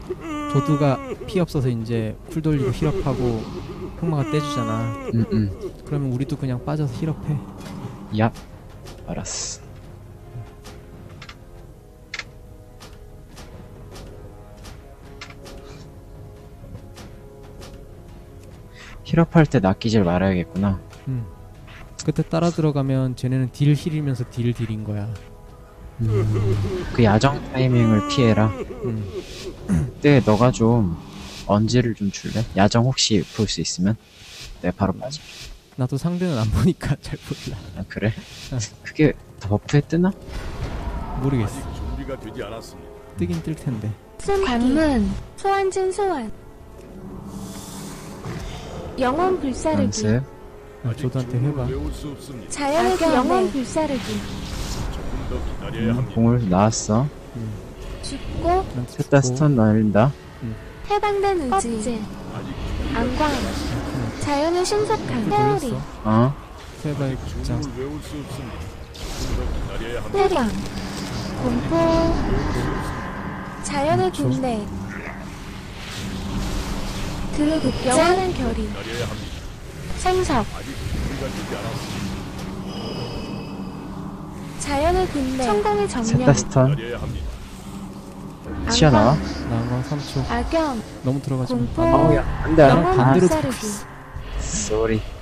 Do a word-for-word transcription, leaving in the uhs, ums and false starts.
조드가 피 없어서 이제 쿨 돌리고 힐업하고 흑마가 떼주잖아. 음, 음. 그러면 우리도 그냥 빠져서 힐업해. 얍. 알았어. 힐업할 때 낚이질 말아야겠구나. 음. 그때 따라 들어가면 쟤네는 딜 힐이면서 딜 딜인 거야. 음, 그 야정 타이밍을 피해라. 음. 그때 너가 좀 언지를 좀 줄래? 야정 혹시 볼 수 있으면 내가 바로 빠져. 나도 상대는 안 보니까 잘 몰라. 아 그래? 그게 더 버프에 뜨나? 모르겠어. 아직 준비가 되지 않았습니다. 뜨긴 뜰 텐데. 관문 소환진 소환 영혼 불사르기 연습. 아, 아직 조드한테 주문을 해봐. 외울 수 없습니다. 자연의 그 영혼 불사르기 조금 더 기다려야 음, 합니다. 공을 나왔어. 죽고 나한테 셋 다 주고. 스턴 날린다. 해방된 의지 껍질 아직 안광 자연의 신속함 회오리 돌렸어. 어? 세발 아직 극장. 주문을 외울 수 없습니다. 조금 더 기다려야 합니다. 회방 공포 자연의 초. 군대 드루극 영원한 결의 기다려야 합니다. 생석 아직 준비가 되지 않았습니다. 자연의 군대 성공의 셋 정령 다 스턴. 기다려야 합니다. 튀어나와. 나가 삼 초. 악영 너무 들어가지 마. 공포 아우 야 안돼 안돼. 나랑 영혼 반대로 불사르기 쏘리.